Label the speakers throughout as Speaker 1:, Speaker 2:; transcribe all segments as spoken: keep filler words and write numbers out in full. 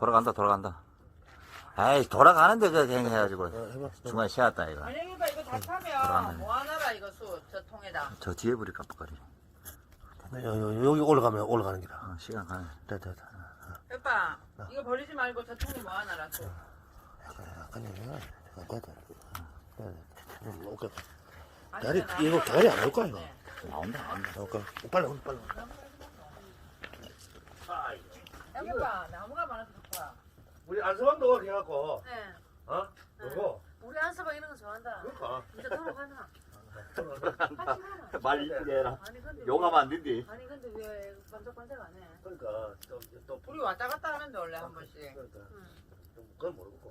Speaker 1: 돌아간다, 돌아간다. 에이, 돌아가는데 저 행해가지고.
Speaker 2: 어, 해봐.
Speaker 1: 중간에 쉬었다, 이거.
Speaker 3: 아니 이거 이거 다
Speaker 1: 돌아가네.
Speaker 3: 타면 뭐 하나라 이거 수 저 통에다.
Speaker 1: 저 뒤에 불이 깜빡거리.
Speaker 2: 여, 여, 여기 올라가면 올라가는 기라.
Speaker 1: 어, 시간 가네.
Speaker 2: 됐다, 됐다.
Speaker 3: 오빠 이거 버리지 말고 저 통에 뭐 하나라 수.
Speaker 2: 약간 여기가 됐다. 됐다. 오케이.
Speaker 3: 아니,
Speaker 2: 다리,
Speaker 3: 나
Speaker 2: 이거
Speaker 3: 아까
Speaker 2: 다리 안 올까, 이거?
Speaker 3: 네.
Speaker 1: 나온다, 나온다.
Speaker 2: 오케이. 빨리, 오늘 빨리.
Speaker 3: 여기 봐 나무가 많아서 좋다.
Speaker 2: 우리 안서방도 해갖고,
Speaker 4: 네.
Speaker 2: 어? 요거.
Speaker 4: 우리 안서방 이런 거 좋아한다.
Speaker 2: 그러니까.
Speaker 4: 이제 돌아가나? 같이 가나?
Speaker 1: 말 이쁘게 해라.
Speaker 4: 아니 근데
Speaker 1: 용하면 안 된디.
Speaker 4: 왜, 아니 근데 왜 반짝반짝 안 해?
Speaker 2: 그러니까, 또, 또,
Speaker 3: 우리 왔다 갔다 하는데 원래 한 번씩.
Speaker 2: 그러니까.
Speaker 4: 응.
Speaker 2: 좀 그건 모르겠고.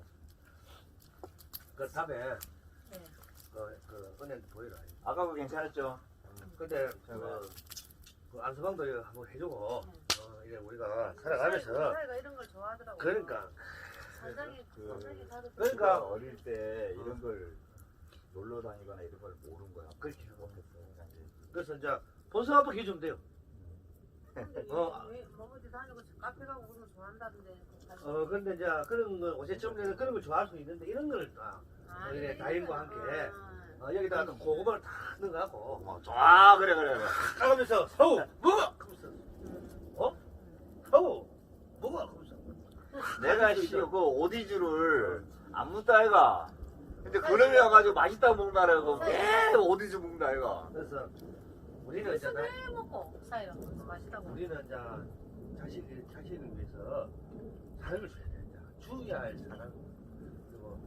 Speaker 2: 그 다음에,
Speaker 4: 네.
Speaker 2: 그, 그, 은혜한테 보여라.
Speaker 1: 아까 그 괜찮았죠?
Speaker 2: 근데, 그, 그 안서방도 이거 한번 해주고, 어, 이제 우리가 살아가면서,
Speaker 4: 사이가 이런 걸 좋아하더라고.
Speaker 2: 그러니까,
Speaker 4: 산장이
Speaker 1: 그-
Speaker 4: 산장이 다들
Speaker 2: 그러니까.
Speaker 1: 어릴 때 이런 걸 놀러 다니거나 이런 걸 모르는 거야. 그렇게 못했어.
Speaker 2: 그래서 이제, 본성 한번 해주면 돼요.
Speaker 4: 근데
Speaker 2: 어.
Speaker 4: 왜 뭐어디 다니고 카페 가고 그런 거 좋아한다던데.
Speaker 2: 어, 근데 이제 그런 거, 어제쯤에는 그런 걸 좋아할 수 있는데, 이런 걸, 아,
Speaker 4: 아,
Speaker 2: 이래
Speaker 4: 이런
Speaker 2: 다인과
Speaker 4: 거.
Speaker 2: 함께.
Speaker 4: 아.
Speaker 2: 어, 여기다가 또 고구마를 다 넣어갖고,
Speaker 1: 어, 좋아, 그래, 그래, 그래.
Speaker 2: 따가면서, 서우, 먹어! 하면서, 어? 서우, 먹어! 하면서.
Speaker 1: 내가 씨, 그 오디주를 안 묻다 아이가. 근데 그놈이 와가지고 맛있다고 먹나라고 왜 오디주 먹나 아이가.
Speaker 2: 그래서, 우리는 이제, 나-
Speaker 4: 왜 먹고 사이가 맛있다고.
Speaker 2: 우리는 이제, 자식, 자식을 위해서 사랑을 줘야 돼. 이제. 주어야 할 사랑. 그리고,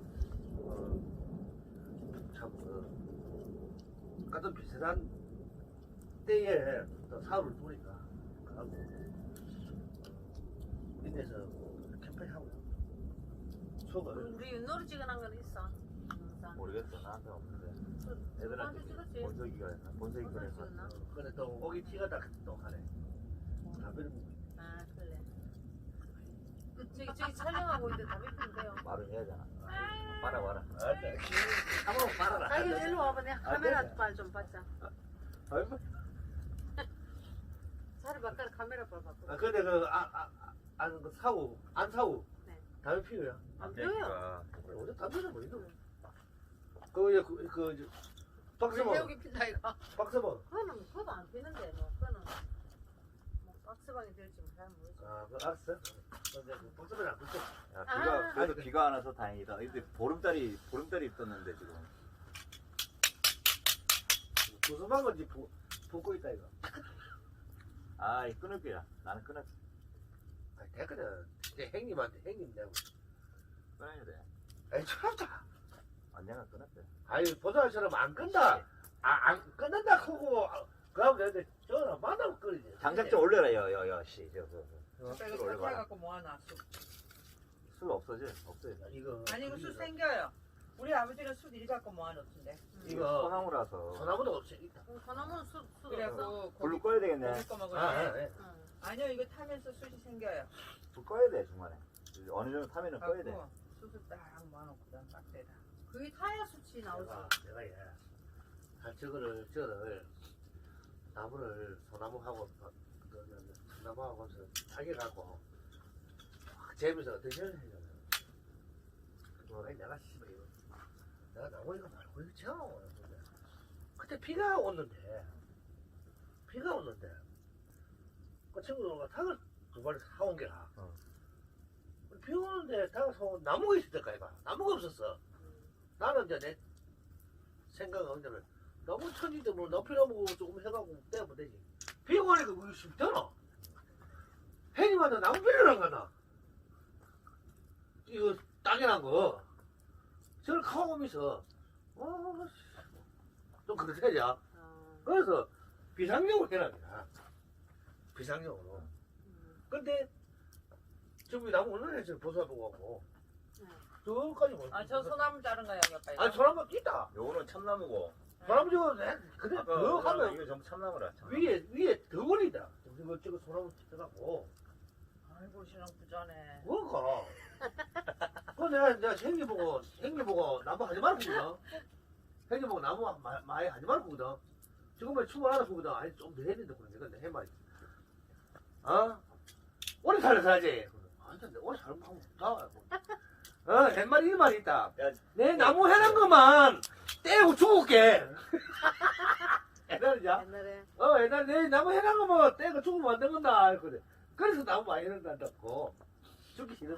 Speaker 2: 어, 참, 그, 같은 비슷한 때에 또 사업을 보니까, 하고, 인내서 캠페인 하고요. 속을.
Speaker 4: 우리 윷놀이 찍어놓은 건 있어. 영상.
Speaker 1: 모르겠어, 나한테 없는데.
Speaker 4: 누구한테
Speaker 1: 애들한테
Speaker 4: 찍었지?
Speaker 1: 본석이가 했나? 본석이
Speaker 4: 본석이
Speaker 1: 그래서.
Speaker 4: 찍었나?
Speaker 2: 어, 근데 또 오기 티가 딱또 하네. 담배를 먹고 있네.
Speaker 4: 아 그래. 저기 저기 촬영하고 있는데 담배 피면 돼요.
Speaker 1: 말을 해야잖아. 빨아, 빨아.
Speaker 2: 알았다. 한번 말아라.
Speaker 4: 자기 일로 와봐. 내가 카메라 빨 좀 받자.
Speaker 1: 아이고.
Speaker 4: 자리 바꿔 카메라 빨 바꿔.
Speaker 2: 아, 근데 그, 아, 아, 아, 안, 그 사고, 안 사고.
Speaker 4: 네.
Speaker 2: 담배 피우야.
Speaker 4: 안 돼요.
Speaker 2: 어제 담배는 뭐 있노? 그, 이제 그, 그, 이제 박스번,
Speaker 3: 여기 핀다 이거.
Speaker 2: 박스번.
Speaker 4: 그거는 그거도 안 피는데 뭐 그거는 뭐 박스방이 될지 잘 모르지.
Speaker 2: 아, 그 알았어. 근데 그 박스번 안 붙어.
Speaker 1: 야, 비가,
Speaker 4: 아.
Speaker 1: 그래도 비가 안 와서 다행이다. 근데 보름달이, 보름달이 있었는데 지금.
Speaker 2: 구수한 건지 보, 보고 있다, 이거.
Speaker 1: 아, 이 끊을 거야. 나는 끊을
Speaker 2: 아, 됐거든. 이제 형님한테 형님 내고.
Speaker 1: 끊어야 돼.
Speaker 2: 에이, 참다.
Speaker 1: 언젠가 끊었대.
Speaker 2: 아니, 보자처럼 안 끈다. 아, 안 끊는다 하고, 아, 그러면 되는데, 전화 만나면 끊이지.
Speaker 1: 장작 좀 올려라, 여, 여, 여, 씨. 저, 저, 저.
Speaker 3: 오빠
Speaker 1: 술
Speaker 3: 이거
Speaker 1: 올려봐라.
Speaker 3: 사갖고 뭐 하나 수.
Speaker 1: 술 없어져? 없어져.
Speaker 2: 이거.
Speaker 3: 아니 이거 술 생겨요. 우리 아버지는 술 일 갖고 뭐 하나 없던데.
Speaker 2: 이거,
Speaker 1: 소나무라서.
Speaker 2: 소나무도 없어. 있다.
Speaker 4: 그나무는 술 술.
Speaker 3: 그래갖고
Speaker 1: 불로
Speaker 3: 고기
Speaker 1: 꺼야 되겠네.
Speaker 3: 고기 꺼 먹을
Speaker 2: 아,
Speaker 3: 때.
Speaker 2: 아, 예.
Speaker 4: 응.
Speaker 3: 아니요 이거 타면서 술이 생겨요.
Speaker 1: 불 꺼야 돼, 중간에. 어느 정도 타면은 꺼야 돼.
Speaker 3: 갖고 술을 딱 모아놓고 그다음 딱대다.
Speaker 4: 그게 타야 수치 나오지.
Speaker 2: 내가, 내가 예. 한 저거를, 저거를, 나무를, 소나무하고, 그, 그, 소나무하고 해서 타격하고, 확 재면서 드셔야 되잖아. 그거 내가 씨발 이거, 내가 나무 이거 말고 이거 채워. 그때 비가 오는데, 비가 오는데, 그 친구가 닭을 두 마리 사온 게라.
Speaker 1: 어.
Speaker 2: 비 오는데 닭을 사온 나무가 있을 때까 이봐. 나무가 없었어. 나는 이제 내 생각은 언제면 너무 천지도 뭐 높이나무 조금 해가지고 떼면 되지. 비 오니까 그게 쉽잖아. 혜님한테 나무 빌려란 거나. 이거 딱이란 거. 저를 카오면서 어, 좀 그렇다냐.
Speaker 4: 어.
Speaker 2: 그래서 비상용으로 해라 그냥. 비상용으로.
Speaker 4: 음.
Speaker 2: 근데 지금 이 나무 얼마나 했어요? 보사보고 하고.
Speaker 4: 응.
Speaker 2: 저까지 뭐.
Speaker 3: 아저 소나무 자른 거야 오빠 이거.
Speaker 2: 아니 소나무 있다.
Speaker 1: 요거는 참나무고.
Speaker 2: 소나무 저거 내 근데
Speaker 1: 아까
Speaker 2: 더 하면
Speaker 1: 이거 전부 참나무라. 참나무.
Speaker 2: 위에 위에 더 걸린다. 이거 저거 소나무 들어가고.
Speaker 3: 아이고 신랑 부자네.
Speaker 2: 뭐가? 그 내가 내가 생기 보고 생기 보고 나무 하지 말거든. 생기 보고 나무 마- 많이 하지 말거든. 지금은 춤을 하나 보거든. 아니 좀 더 해야 된다 그러는데 근데 해말. 어? 오래 살아야지. 안 하여튼 오늘 잘못하면 다. 어, 옛말에 이 말이 있다.
Speaker 1: 야,
Speaker 2: 내 나무 해놓은 것만 떼고 죽을게. 옛날이냐?
Speaker 4: 옛날에
Speaker 2: 어, 옛날에 내 나무 해놓은 것만 떼고 죽으면 안 되겠다. 했거든. 그래서 나무 많이 해놓는다고. 죽기 싫었어.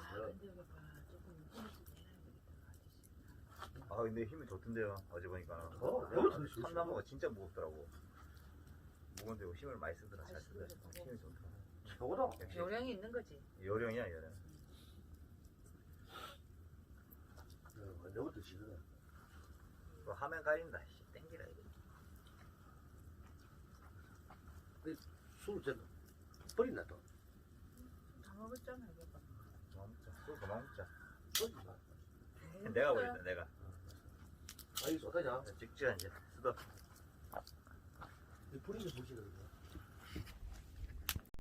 Speaker 1: 아 근데 힘이 좋던데요. 어제 보니까.
Speaker 2: 어, 너무 더 좋지.
Speaker 1: 참나무가 진짜 무겁더라고. 무거운데 힘을 많이 쓰더라. 잘 쓰더라. 힘이 좋더라.
Speaker 2: 최고다.
Speaker 1: 역시
Speaker 3: 요령이 있는 거지.
Speaker 1: 요령이야 요령.
Speaker 2: 어, 내부터 싫어.
Speaker 1: 또 화면 가린다. 씨, 땡기라 이거.
Speaker 2: 술 좀 버린다 또.
Speaker 3: 다 먹었잖아 이거.
Speaker 1: 그만 먹자. 술 그만 먹자.
Speaker 2: 버린다.
Speaker 1: 내가 버린다 내가.
Speaker 2: 아이 좋다냐?
Speaker 1: 찍자 이제. 쓰더.
Speaker 2: 이 버리는 보시는 거.